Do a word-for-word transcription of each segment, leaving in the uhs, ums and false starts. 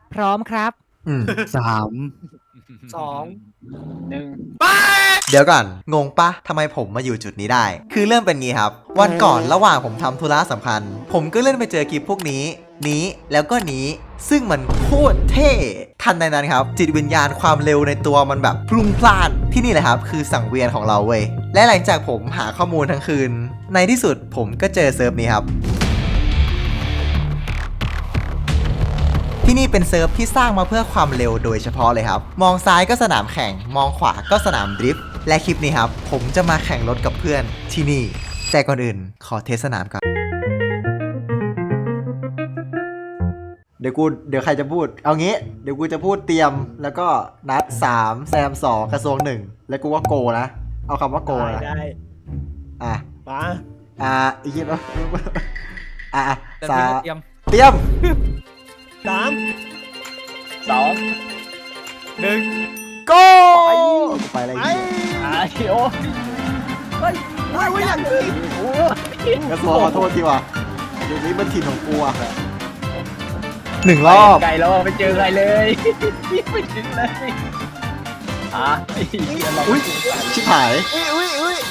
พร้อมครับอืมสามสองหนึ่งเดี๋ยวก่อนงงปะทำไมผมมาอยู่จุดนี้ได้ คือเริ่มเป็นงี้ครับ วันก่อนระหว่างผมทำธุระสำคัญ ผมก็เลื่อนไปเจอคลิปพวกนี้ นี้แล้วก็นี้ ซึ่งมันโคตรเท่ทันใดนั้นครับ จิตวิญญาณความเร็วในตัวมันแบบพลุ่งพล่านที่นี่แหละครับ คือสังเวียนของเราเว้ยและหลังจากผมหาข้อมูลทั้งคืน ในที่สุดผมก็เจอเซิร์ฟนี้ครับ ที่นี่เป็นเซิร์ฟที่สร้างมาเพื่อความเร็วโดยเฉพาะเลยครับ มองซ้ายก็สนามแข่ง มองขวาก็สนามดริฟต์ และคลิปนี้ครับ ผมจะมาแข่งรถกับเพื่อนที่นี่ แต่ก่อนอื่นขอเทสสนามก่อน เดี๋ยวกู เดี๋ยวใครจะพูด เอางี้ เดี๋ยวกูจะพูดเตรียม แล้วก็นัดสามแซมสองกระทรวงหนึ่งแล้วกูว่าโกนะ เอาคำว่าโกนะได้อ่ะมาอ่ะอีกทีนะอ่ะอ่ะแต่สาพี่มเตรียมเตรียมสามสองหนึ่งโกไปอะไรไปอีกอาชิโอเฮ้ยเฮ้ยไม่อยากขึ้นโอ้กระทรวงขอโทษทีว่ะเดี๋ยวนี้มันถิ่นของกูอะหนึ่งรอบไกลแล้วไม่เจอใครเลยไม่ถึงเลยอ่ะอุ้ยชิบหายอุ้ยอุ้ยอุ้ย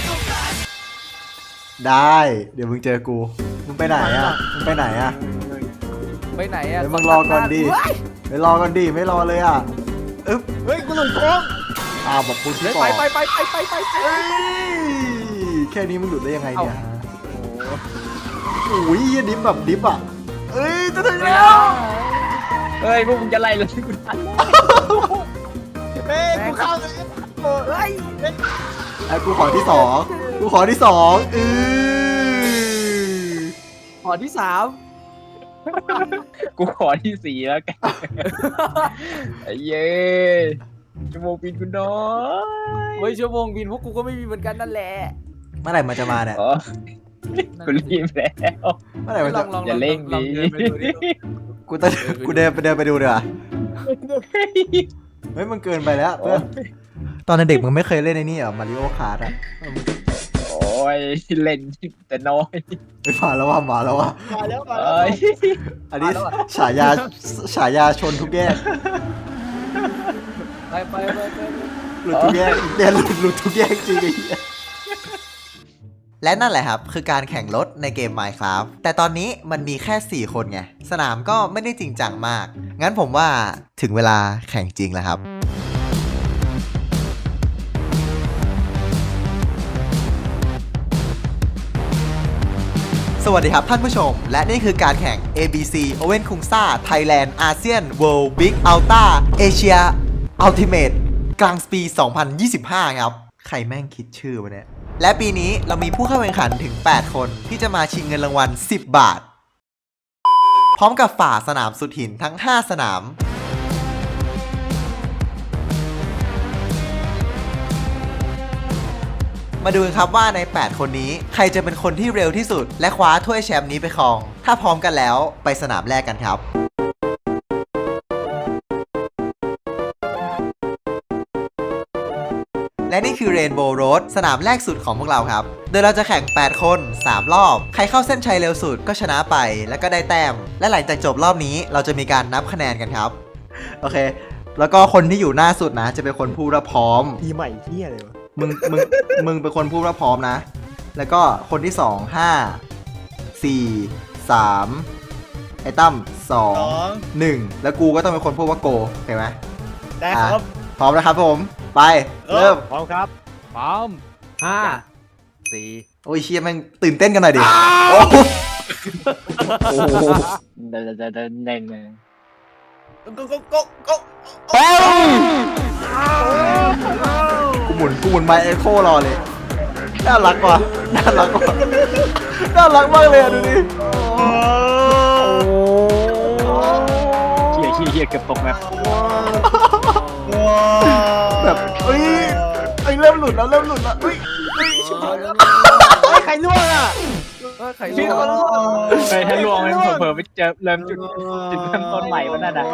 ได้ เดี๋ยวมึงเจอกู มึงไปไหนอะมึงไปไหนอะไปไหนอ่ะเดี๋ยวมึงรอก่อนดิไปรอก่อนดิไม่รอเลยอะอึ๊บเฮ้ยกูหลุดโค้งอ้าวบอกกูที่เฮ้ยก่อไปนไปไปไปไปไปไปเอ้ยแค่นี้มึงหลุดได้ยังไงเนี่ยโอ้ยดิฟแบบดิฟอะเอ้ยจะถึงแล้วเฮ้ยพวกมึงจะไล่เลยกูทันเฮ้ยกูเข้าเลยเฮ้ยไอ้กูขอที่สองกูขอที่สองอือขอที่สามกูขอที่สี่แล้วกันไอ้เย้ชั่วโมงบินกูน้อยเฮ้ยชั่วโมงบินพวกกูก็ไม่มีเหมือนกันนั่นแหละเมื่อไหร่มันจะมาเนี่ยอ๋อกูรีบแล้วเมื่อไหร่มันลจะองลองอย่าเร่งลอดิเดินไปดูดิกูจะกูเดินไปเดินไปดูเดี๋ยวาเฮ้ยมันเกินไปแล้วเพื่อนตอนเด็กมึงไม่เคยเล่นในนี่เหรอมาริโอคาร์ดอ่ะโอ้ยเล่นแต่น้อยไปมาแล้วว่ามาแล้วว่ามาแล้วมาแล้วอันนี้ฉายาฉายาชนทุกแยกไปไปไปไปหลุดทุกแยกเนี่ยหลุดหลุดทุกแยกจริงไอ้เหี้ยและนั่นแหละครับคือการแข่งรถในเกม Minecraft แต่ตอนนี้มันมีแค่สี่คนไงสนามก็ไม่ได้จริงจังมากงั้นผมว่าถึงเวลาแข่งจริงแล้วครับสวัสดีครับท่านผู้ชมและนี่คือการแข่ง เอ บี ซี Owen Khungsa Thailand ASEAN World Big Ultra Asia Ultimate กลางปี สองพันยี่สิบห้า ครับใครแม่งคิดชื่อวะเนี่ยและปีนี้เรามีผู้เข้าแข่งขันถึง แปด คนที่จะมาชิงเงินรางวัล สิบ บาท พร้อมกับฝ่าสนามสุดหินทั้ง ห้า สนาม มาดูกันครับว่าใน แปด คนนี้ใครจะเป็นคนที่เร็วที่สุด และคว้าถ้วยแชมป์นี้ไปครอง ถ้าพร้อมกันแล้วไปสนามแรกกันครับ และนี่คือ Rainbow Road สนามแรกสุดของพวกเราครับ โดยเราจะแข่ง แปด คน สาม รอบ ใครเข้าเส้นชัยเร็วสุดก็ชนะไป แล้วก็ได้แต้ม และหลังจากจบรอบนี้เราจะมีการนับคะแนนกันครับ โอเค แล้วก็คนที่อยู่หน้าสุดนะ จะเป็นคนพูดว่าพร้อมปีใหม่เที่ยเลยวะมึง มึง มึงเป็นคนพูดว่าพร้อมนะ แล้วก็คนที่สอง ห้า สี่ สาม ไอ้ตั้มสอง หนึ่ง แล้วกูก็ต้องเป็นคนพูดว่าโกเห็นไหมได้ครับพร้อมแล้วครับผม ไป เริ่มพร้อมครับพร้อมห้าสี่โอ้ยเชียร์แม่งตื่นเต้นกันหน่อยดิ โอ้โหโอ้โหเดินเดินเดินเดินเลยก็ก็ก็ก็กูหมุน กูหมุนไมค์เอ็โครอเลย น่ารักว่ะ น่ารักว่ะ น่ารักมากเลยอ่ะดูดิ โอ้เฮียเฮียเฮียเกือบตกแบบแบบเอ้ยเอ้ยเริ่มหลุดแล้วเริ่มหลุดแล้วเอ้ยเอ้ยชิบหายแล้วใครล่วงอ่ะเออไข่พี่ลูเขากล่วงไปถ้าล่วงมันเผลอๆไปเจอเริ่มจุดจุดเริ่มต้นใหม่วันนั้นอ่ะ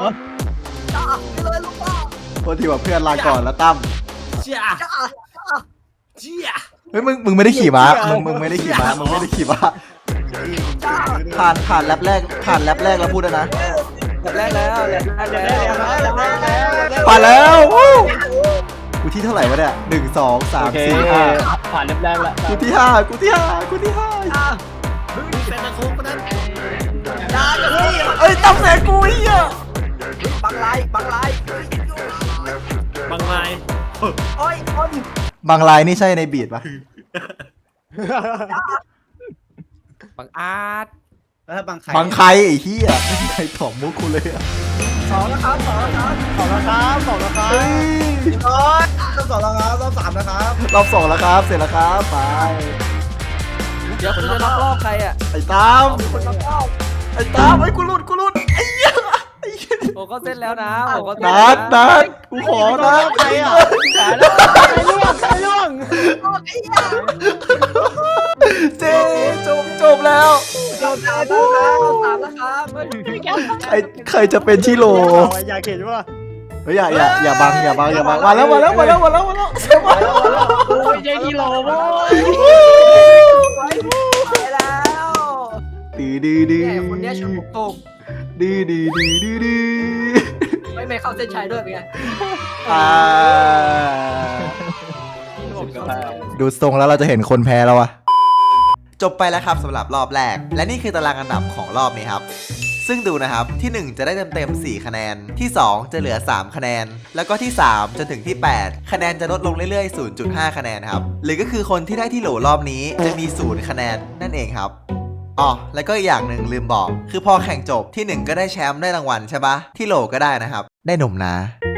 โทษทีว่าเพื่อนลาก่อนแล้วตั้มจ้าจ้าเฮ้ยมึงมึงไม่ได้ขี่ม้ามึงมึงไม่ได้ขี่ม้ามึงไม่ได้ขี่ม้าผ่านผ่านแรปแรกผ่านแรปแรกแล้วพูดแล้วนะโแรกแล้วแรกแล้วผ่านแล้วกูที่เท่าไหร่วะเนี่ยหนึ่งสองสามสี่ห้าผ่านเรียบแรกแล้วกูที่ห้ากูที่ห้ากูที่ห้าเซนตาคุกนั้นเอ้ยตั้งแต่กูไอ้เหี้ยบังไลบังไลบางไม้โอ้ยคนบางลายนี่ใช่ในบีดปะบางอาร์ตแล้วบังใครบางใครไอ้เหี้ยใครถอมมุกกูเลยอะสองแล้วครับสองแล้วครับสองแล้วครับสองแล้วครับเฮ้ยโอ้ยรอบสองแล้วครับรอบสามแล้วครับรอบสองแล้วครับเสร็จแล้วครับไปเดี๋ยวคุณจะล็อกรอบใครอ่ะไอ้ตามคนละรอบไอ้ตามไอ้กูหลุดกูหลุดไอ้เหี้ยไอ้เหี้ยผมก็เส้นแล้วนะผมก็เส้นนัแล้วดนัดกูขอนัดใครอ่ะผ่านแล้วล่วงล่วงเจจบจบแล้วรอบสามแล้วครับรอบสามแล้วครับใครใครจะเป็นที่โหลอยากเห็นว่าเฮ้ยอย่าอย่าอย่าบังอย่าบังอย่าบังมาแล้วมาแล้วมาแล้วมาแล้วมาแล้วเสียมาแล้วโอ้ยใจกิโลโว้ยไปแล้วดื้อดื้อดื้อเนี่ยคนเนี้ยชนผมตกดื้อดื้อดื้อดื้อดื้อไม่ไม่เข้าเส้นชัยด้วยเป็นไงอ่าดูทรงแล้วเราจะเห็นคนแพ้แล้วอะจบไปแล้วครับสำหรับรอบแรก และนี่คือตารางอันดับของรอบนี้ครับ ซึ่งดูนะครับที่ หนึ่ง จะได้เต็มๆสี่คะแนนที่ สอง จะเหลือสามคะแนนแล้วก็ที่ สาม จนถึงที่ แปด คะแนนจะลดลงเรื่อยๆ ศูนย์จุดห้า คะแนนครับหรือก็คือคนที่ได้ที่โหลรอบนี้จะมีศูนย์คะแนนนั่นเองครับอ๋อแล้วก็อีกอย่างหนึ่งลืมบอก คือพอแข่งจบที่ หนึ่ง ก็ได้แชมป์ได้รางวัลใช่ปะที่โหลก็ได้นะครับได้หนุ่มนะ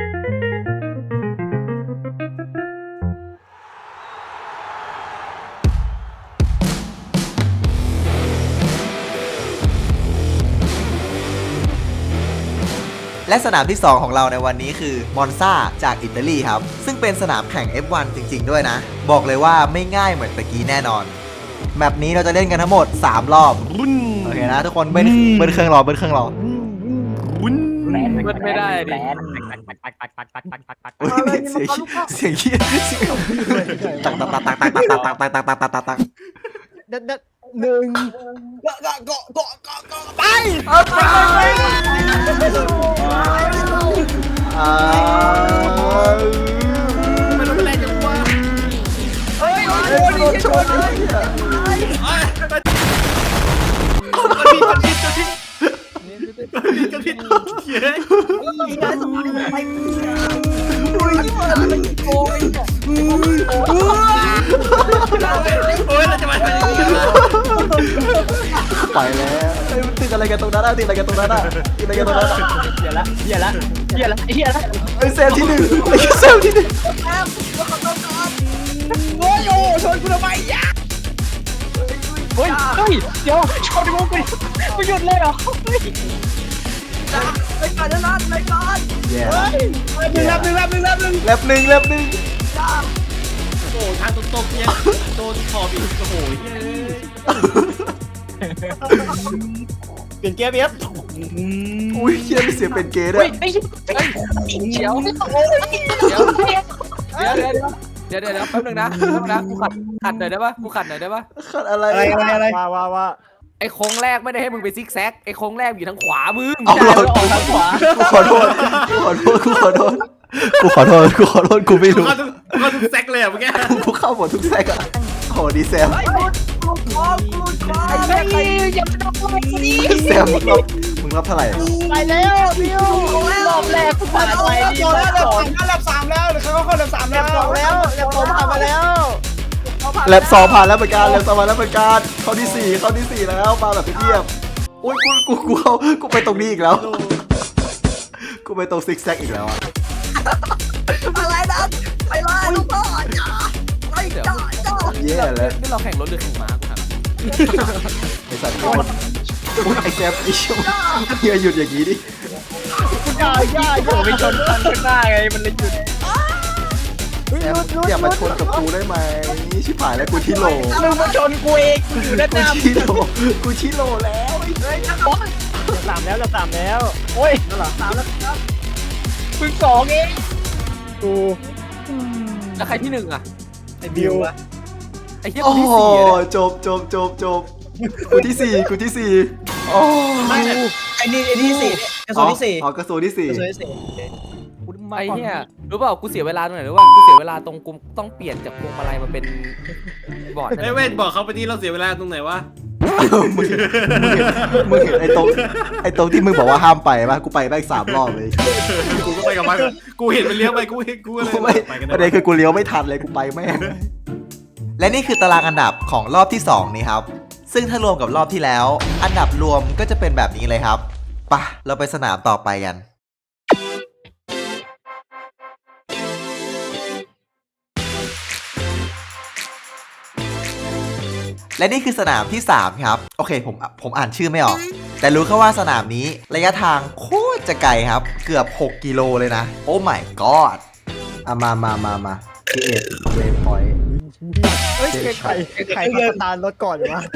และสนามที่ สอง ของเราในวันนี้คือมอนซาจากอิตาลีครับซึ่งเป็นสนามแข่ง เอฟ วัน จริงๆด้วยนะบอกเลยว่าไม่ง่ายเหมือนตะกี้แน่นอนแมปนี้เราจะเล่นกันทั้งหมดสามรอบโอเคนะทุกคนเบิ้ลเบิ้ลเครื่องรอเบิ้ลเครื่องรอแหลนมันไม่ได้ดิแหลนอุ๊ยเสียงเสียงเหี้ยเสียงตักตักตักตักตักตักตักตักตักตักตักตักตักเด็ดเด็ดหนึ่งเกาะเกาะเกาะเกาะเกาะเกาะไปอ่าไม่รู้เป็นไรจังวะเฮ้ยโอ้ยชนเลยกระพริบกระพริบกระพริบกระพริบเฮ้ยมีการสมัยอะไรอุ้ยนี่มันโกงโอ้ยเราจะมาทำยังไงไปแล้วเฮ้ยมันติดอะไรกันตรงนั้นอะติดอะไรกันตรงนั้นอะติดอะไรกันตรงนั้นอะเหี้ยละเหี้ยละเหี้ยละไอ้เหี้ยละไอ้เซลที่หนึ่งไอ้เซลที่หนึ่งโอ้ยโอ้ชนกูทำไมยะเฮ้ยเฮ้ยเดี๋ยวชนกูไปกูหยุดเลยเหรอไปก่อนนะนัดไปก่อนแย่หนึ่งรับหนึ่งรับหนึ่งรับหนึ่งแลบหนึ่งแลบหนึ่งโอ้ทางตรงๆเนี่ยโดนขอบอีกโอ้โหเฮ้ยเปลี่ยนเกมเอฟอุ้ยเฮียมีเสียงเป็นเกย์ด้วเฮ้ยยไอ้เหี้ยเดี๋ยวเดี๋ยวเดี๋ยวเดี๋ยวเดี๋ยวเดี๋ยวเดี๋ยวแป๊บนึงนะแป๊บนึงนะกูขัดขัดหน่อยได้ปะกูขัดหน่อยได้ปะขัดอะไรอะไรอะไรอะไรว่าว่าว่าไอ้โค้งแรกไม่ได้ให้มึงไปซิกแซกไอ้โค้งแรกอยู่ทางขวามึงเอาเราออกทางขวากูขอโทษกูขอโทษกูขอโทษกูขอโทษกูขอโทษกูไม่รู้ก็ทุกก็ทุกแซกเลยอ่ะเมื่อกี้กูเข้าหมดทุกแซกอะโอ้ดีแซมไอ้กูกูกูกูไอ้ไอ้เหี้ยเหี้ยอย่ามาทำอะไรกูดิแซมมึงรับมึงรับเท่าไหร่ไปแล้วดิวรอบแรกกูผ่านไปดีรอบรอบสองแล้วรอบสามแล้วเขาก็เข้าระดับสามแล้วสองแล้วรอบสองผ่านมาแล้วแลบสองผ่านแล้วเหมือนกันแลบสองผ่านแล้วเหมือนกันเข้าที่สี่เข้าที่สี่แล้วมาแบบเงียบๆอุ้ยกูกูกูเข้ากูไปตรงนี้อีกแล้วกูไปตรงซิกแซกอีกแล้วอะอะไรนะไปเลยลูกพ่อจ้าไปจ้าจ้าแย่แล้วนี่เราแข่งรถหรือแข่งม้ากูถามไอสัตว์โคตรอุ๊ยไอแซมไอชิวเฮียหยุดอย่างนี้ดิอย่าอย่าอโอ้ย่าไปชนคันข้างหน้าไงมันเลยหยุดแซมอย่ามาชนกับกูได้ไหมชิบหายแล้วกูที่โหลมึงมาชนกูเองกูอยู่ด้านหกูน้าที่โหลกูที่โหลแล้วไอ้สามแล้วเราสามแล้วโอ้ยสามแล้วครับมึงสองเองกูแล้วใครที่หนึ่งอ่ะไอ้บิวไอ้เหี้ยโอ้คนที่โหสี่เลยจบจบจบจบกูที่สี่กูที่สี่โอ้ไอ้นี่ไอ้นี่สี่กระทรวงที่สี่อ๋อกระทรวงที่สี่กระทรวงที่สี่ไอ้เนี่ยรู้เปล่ากูเสียเวลาตรงไหนรู้ป่ะกูเสียเวลาตรงกูต้องเปลี่ยนจากพวงมาลัยมาเป็นบอร์ดไอ้เว้นบอกเขาไปที่เราเสียเวลาตรงไหนวะมึงเห็นมึงเห็นไอ้ตรงไอ้ตรงที่มึงบอกว่าห้ามไปป่ะกูไปไปอีกสามรอบเลยกูก็ไปกับมันกูเห็นมันเลี้ยวไปกูเห็นกูเลยกูไม่ไปกันประเด็นคือกูเลี้ยวไม่ทันเลยกูไปแม่งและนี่คือตารางอันดับของรอบที่สองนี้ครับซึ่งถ้ารวมกับรอบที่แล้ว อันดับรวมก็จะเป็นแบบนี้เลยครับไปะเราไปสนามต่อไปกัน และนี่คือสนามที่สามครับโอเคผมผมอ่านชื่อไม่ออก แต่รู้แค่ว่าสนามนี้ระยะทางโคตรจะไกลครับ เกือบหกกิโลเลยนะโอ้ my god อ่ะมามามามาที่เอ็ดเวฟพอยต์เฮ้ยใครใครเดินตามรถก่อนวะ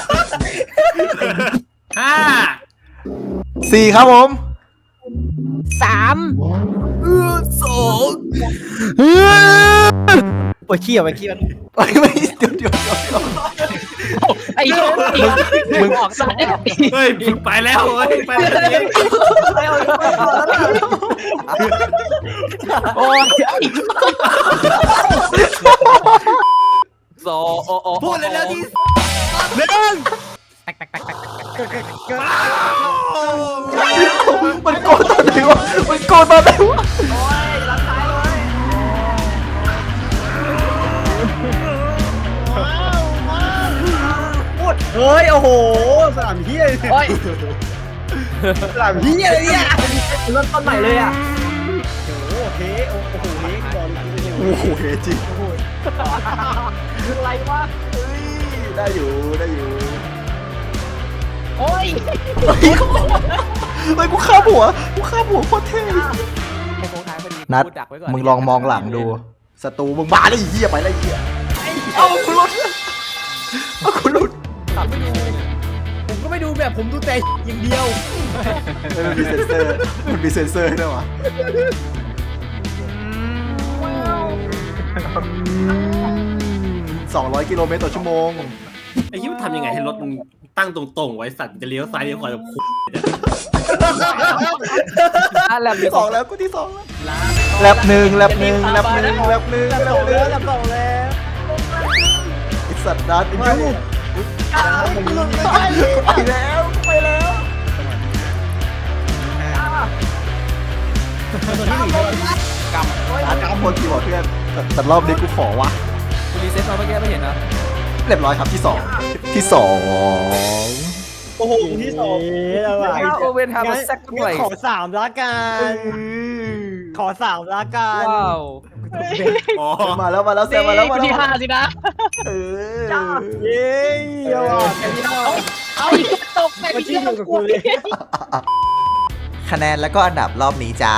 ห้าสี่ครับผมสามสองปวดขี้อ่ะไปขี้มันไม่ไม่เดี๋ยวเดี๋ยวเดี๋ยวเดี๋ยวไอ้มึงออกซะเฮ้ยมึงไปแล้วเฮ้ยไปแล้วเองโอ้ยโซโอโอพูดเลยแล้วที่มันโกนตอนไหนวะมันโกนตอนไหนวะเฮ้ยโอ้โหสนามเฮียสนามเฮียอะไรเนี่ยเริ่มต้นใหม่เลยอ่ะโอ้โหเฮ้โอ้โหเฮ้บอลโอ้โหเฮจริงอะไรวะเฮ้ยได้อยู่ได้อยู่โอ้ยเฮ้ยเฮ้ยกูข้ามหัวกูข้ามหัวโคตรเท่ไอ้โค้งท้ายพอดีนัดกูดักไว้ก่อนมึงลองมองหลังดูศัตรูมึงมาแล้วไอ้เหี้ยไปแล้วไอ้เหี้ยเอ้าคุณหลุดเอ้าคุณหลุดขับไม่ดูผมก็ไม่ดูแบบผมดูแต่อย่างเดียวเฮ้ยมันมีเซ็นเซอร์มันมีเซ็นเซอร์ให้ด้วยวะสองร้อยกิโลเมตรต่อชั่วโมงไอ้ยิ้มทำยังไงให้รถมึงตั้งตรงๆไว้สัตว์จะเลี้ยวซ้ายเลี้ยวขวาแบบคุอ่ะแลบที่สองแล้วกูที่สองแล้วแลบหนึ่งแลบหนึ่งแลบหนึ่งแลบหนึ่งแลบหนึ่งแล้วลำบากแล้วไอสัตว์นัดไอ้ยูไปแล้วไปแล้วกำกำคนกี่หัวเพื่อนแต่แต่รอบนี้กูขอวะกูรีเซ็ตมาเมื่อกี้ไม่เห็นนะเรียบร้อยครับที่สองที่สองโอ้โหที่สองแล้วอ่ะถ้าโอเวนทำมาแซกกันหน่อยขอสามละกันขอสามละกันว้าวอ๋อมาแล้วมาแล้วแซมมาแล้วมาแล้วที่ห้าสินะเออเย้ยอดที่ห้าเอาอีกตกไปมาอีกที่เรื่อองยู่กับกูกูเลยคะแนนแล้วก็อันดับรอบนี้จ้า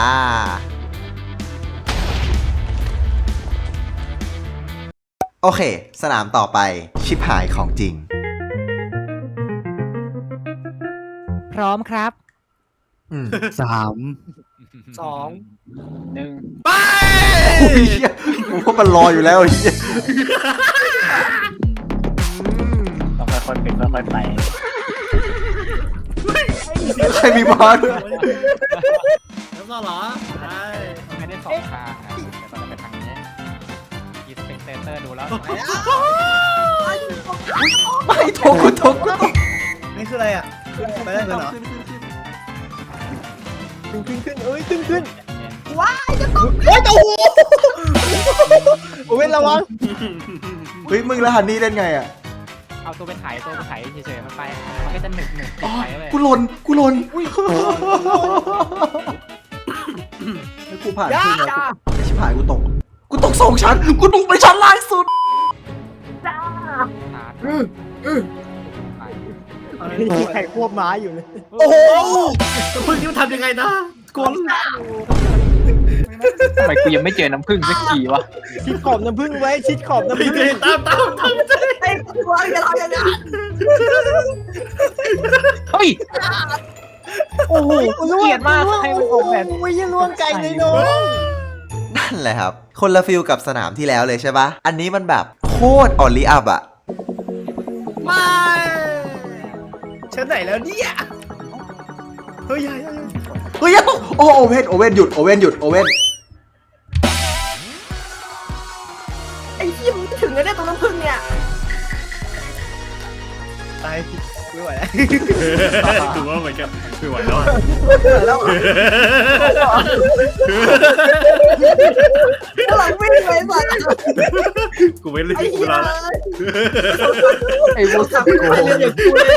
โอเค สนามต่อไปชิปหายของจริงพร้อมครับอืมสามสองหนึ่งไปโอ้ยเหี้ยกูว่ามันรออยู่แล้วไอ้เหี้ยต้องค่อยๆเป็นค่อยๆไปใครมีบอลด้วยแล้วก็เหรอใช่ไม่ได้สองทางนะแต่ตอนนั้นเป็นทางนี้กีสเปกเตอร์ดูแล้วไม่โทกกูโทกกูตกนี่คืออะไรอ่ะไปได้เลยเหรอขึ้นขึ้นขึ้นเอ้ยขึ้นขึ้นว้ายจะตกเฮ้ยโอ้โหโอ้ยระวังเฮ้ยมึงแล้วฮันนี่เล่นไงอ่ะเอาตัวไปถ่ายตัวไปถ่ายเฉยๆมันไป มันก็จะหนึบหนึบอ๋อไปเลยกูหล่นกูหล่นให้กูผ่านขึ้นแล้วไอ้ชิบหายกูตก กูตกสองชั้น กูตกไปชั้นล่างสุดหามีใครควบม้าอยู่เลยโอ้โหเพิ่งยิ้มทำยังไงนะกลัวทำไมกูยังไม่เจอน้ำผึ้งสักทีวะชิดขอบน้ำผึ้งไว้ชิดขอบน้ำพี่ผึ้งเจตามตามตามใจไอ้ตัวอย่าทำอย่างนั้นเฮ้ยโอ้โหเกลียดมากให้มันออกแบบโอ้ยล่วงไกลเลยน้องนั่นแหละครับ คนละฟิลกับสนามที่แล้วเลยใช่ปะอันนี้มันแบบโคตรออลลี่อัพอะไม่ชั้นไหนแล้วเนี่ยเฮ้ยเฮ้ยโอ้โอเว่นโอเว่นหยุดโอเว่นหยุดโอเว่นไอ้เหี้ยมึงถึงแล้วเนี่ยตรงน้ำผึ้งเนี่ยตายไม่ไหวแล้วถือว่าเหมือนกับไม่ไหวแล้วอะแล้วหลังวิ่งไปสัตว์กูไม่เล่นไอ้กูเหี้ยรอละไอ้บูสับไม่ไปเรียนอย่างกูเลย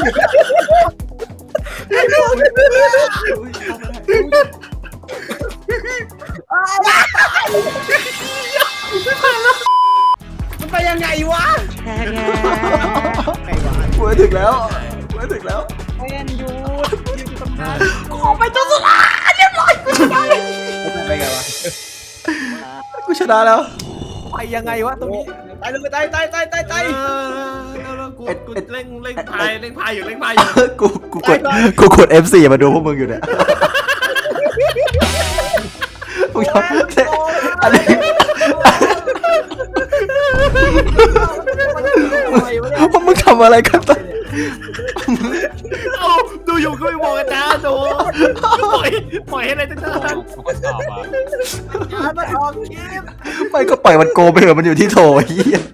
มันไปยังไงวะไงวะกูไปถึงแล้วกูไปถึงแล้วเป็นยูยืนตรงนั้นกูไปจนสุดละเรียบร้อยกูชนะไปไงวะกูชนะแล้วไปยังไงวะตรงนี้ตายเลยตายตายตายตายตายเออกูกูเร่งเร่งพายเร่งพายอยู่เร่งพายอยู่กูกูกดกูกด เอฟ โฟร์ มาดูพวกมึงอยู่เนี่ยมึงทำอันนี้พวกมึงทำอะไรกันตอนเอ้าดูอยู่ก็ไม่บอกกันนะโดปล่อยปล่อยให้อะไรตั้งนานกูก็ตอบอ่ะมันออกคลิปไม่ก็ปล่อยมันโกไปเถอะมันอยู่ที่โถเฮีย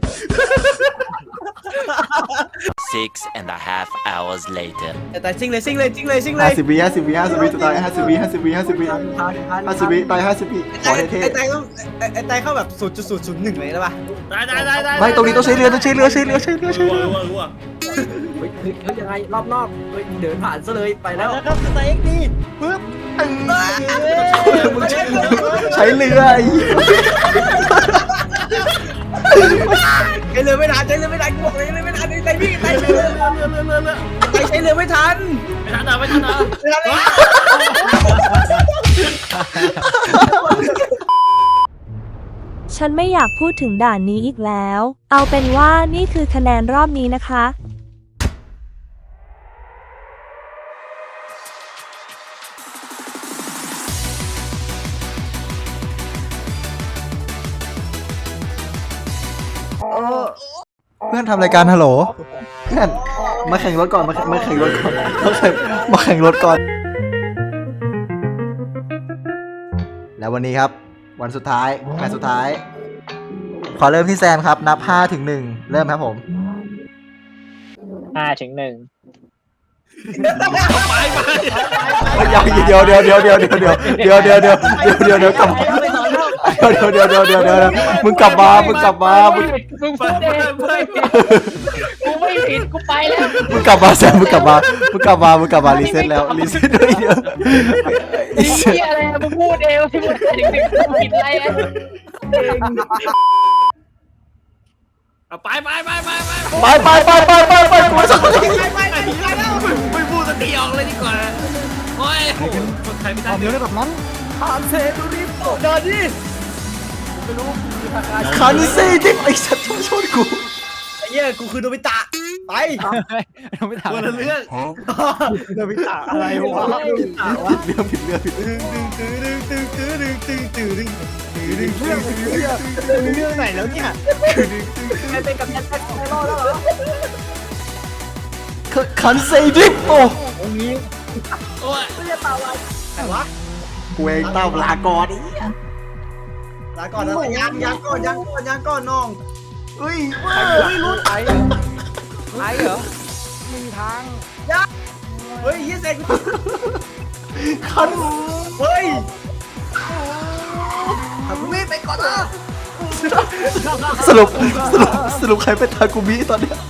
Six and a half hours later. แต่ซิงเลยซิงเลยซิงเลยซิงเลยห้าสิบวิห้าสิบวิห้าสิบวิจะตายห้าสิบวิห้าสิบวิห้าสิบวิห้าสิบวิตายห้าสิบวิขอเท่ไอ้ไตต้องไอ้ไตเข้าแบบศูนย์จุดศูนย์ศูนย์หนึ่งเลยได้ป่ะได้ได้ได้ได้ๆไม่ตรงนี้ต้องใช้เรือต้องใช้เรือใช้เรือใช้เรือใช้รู้เรือว่ารู้ว่าเฮ้ยยังไงรอบนอกเฮ้ยเดินผ่านซะเลยไปแล้วครับไตเอ็กดีปึ๊บมึงใช้ใช้เรือไอ้เหี้ยใช้เรือไม่ทันใช้เรือไม่ทันกูบอกเลยไม่ทันไตพี่ไตเรือเรือเรือเรือเรือเรือไตใช้เรือไม่ทันไม่ทันนะไม่ทันนะฉันไม่อยากพูดถึงด่านนี้อีกแล้ว เอาเป็นว่านี่คือคะแนนรอบนี้นะคะเพื่อนทำรายการฮัลโหลเพื่อนมาแข่งรถก่อนมามาแข่งรถก่อนมาแข่งมาแข่งรถก่อน แล้ววันนี้ครับ วันสุดท้ายแมตช์สุดท้าย ขอเริ่มที่แซมครับ นับห้าถึงหนึ่งเริ่มครับผมห้าถึงหนึ่งไปไปเดี๋ยวเดี๋ยวเดี๋ยวเดี๋ยวเดี๋ยวเดี๋ยวเดี๋ยวเดี๋ยวเดี๋ยวเดี๋ยวเดี๋ยวเดี๋ยวเดี๋ยวกลับมาเดี๋ยวเดี๋ยวเดี๋ยวเดี๋ยวเดี๋ยวเดี๋ยวมึงกลับมามึงกลับมามึงมึงพูดเองกูไม่ผิดกูไม่ผิดกูไปแล้วมึงกลับมาแซมมึงกลับมามึงกลับมามึงกลับมารีเซ็ตแล้วรีเซ็ตด้วยเดียวไอ้เหี้ยอะไรอะมึงพูดเองที่มึงถึงถึงกูผิดอะไรอะไปไปไปไปไปไปไปไปไปไปไปกูจะไม่พูดสติออกเลยดีกว่าโอ้ยคนไทยไม่ได้เดี๋ยวผ่านเซตุริโตเดินดิไม่รู้คือทางการคานิเซ่ดิไอ้สัตว์ชนกูไอ้เหี้ยกูคือโนบิตะไปไม่ถามคนละเรื่องโนบิตะอะไรวะโนบิตะวะผิดเรื่องผิดเรื่องผิดตึงตึงตึงตึงตึงตึงตึงตึงตึงตึงตึงตึงตึงเรื่องไหนแล้วเนี่ยใครเป็นกับยันแท็กไอรอลแล้วเหรอคานิเซ่ดิโอ้องนี้โอ้ยไม่จะเต่าอะไรแต่วะกูเองเต้าลากรลาก่อนนะยังยังก่อนยังก่อนยังก่อนน้องเฮ้ยไอ้ไอ้ไอ้เหรอไม่มีทางเฮ้ยยี่เซนคันเฮ้ยทำไม่ไปก่อนนะสรุปสรุปสรุปใครเป็นทากุมิตอนเนี้ย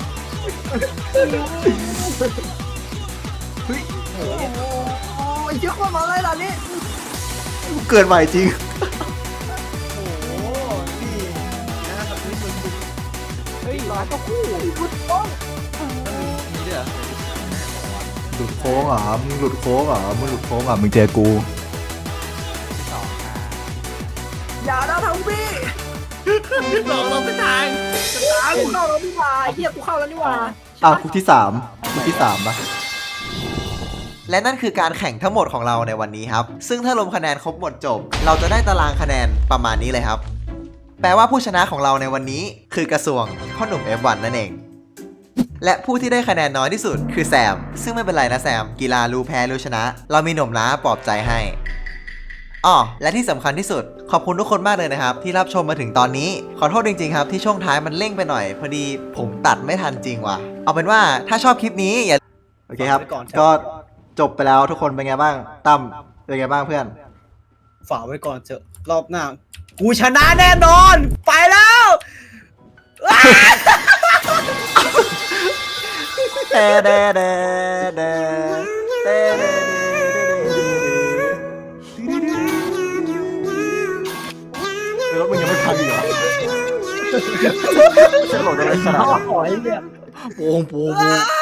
โอ้ยเยอะกว่ามาเลยล่ะนี่เกิดใหม่จริงโอ้โหนี่นะครับนี่มึงเฮ้ยร้านก็คู่กูต้องมีด้วยเหรอหลุดโค้งเหรอมึงหลุดโค้งเหรอมึงหลุดโค้งเหรอมึงเจอกูที่สองอ่ะอย่านะทำพี่หลอกเราไปทางอ้าวกูเข้าแล้วนี่หว่าเฮียกูเข้าแล้วนี่หว่าอ้าวคุกที่สามคุกที่สามปะและนั่นคือการแข่งทั้งหมดของเราในวันนี้ครับ ซึ่งถ้ารวมคะแนนครบหมดจบ เราจะได้ตารางคะแนนประมาณนี้เลยครับ แปลว่าผู้ชนะของเราในวันนี้คือกระทรวงพ่อหนุ่ม เอฟ วัน นั่นเองและผู้ที่ได้คะแนนน้อยที่สุดคือแซมซึ่งไม่เป็นไรนะแซมกีฬารู้แพ้รู้ชนะ เรามีหนุ่มล้าปลอบใจให้อ๋อและที่สำคัญที่สุดขอบคุณทุกคนมากเลยนะครับที่รับชมมาถึงตอนนี้ขอโทษจริงๆครับที่ช่วงท้ายมันเร่งไปหน่อยพอดีผมตัดไม่ทันจริงว่ะเอาเป็นว่าถ้าชอบคลิปนี้อย่าโอเคครับก็จบไปแล้วทุกคนเป็นไงบ้างตั้มเป็นไงบ้างเพื่อนฝากไว้ก่อนเถอะรอบหน้ากูชนะแน่นอน ไปแล้วเดเดเดเดเดเดรถมึงยังไม่พังอีกเหรอฉันหลงอะไรขนาดนั้นขอให้เนี่ยโป่งโป่ง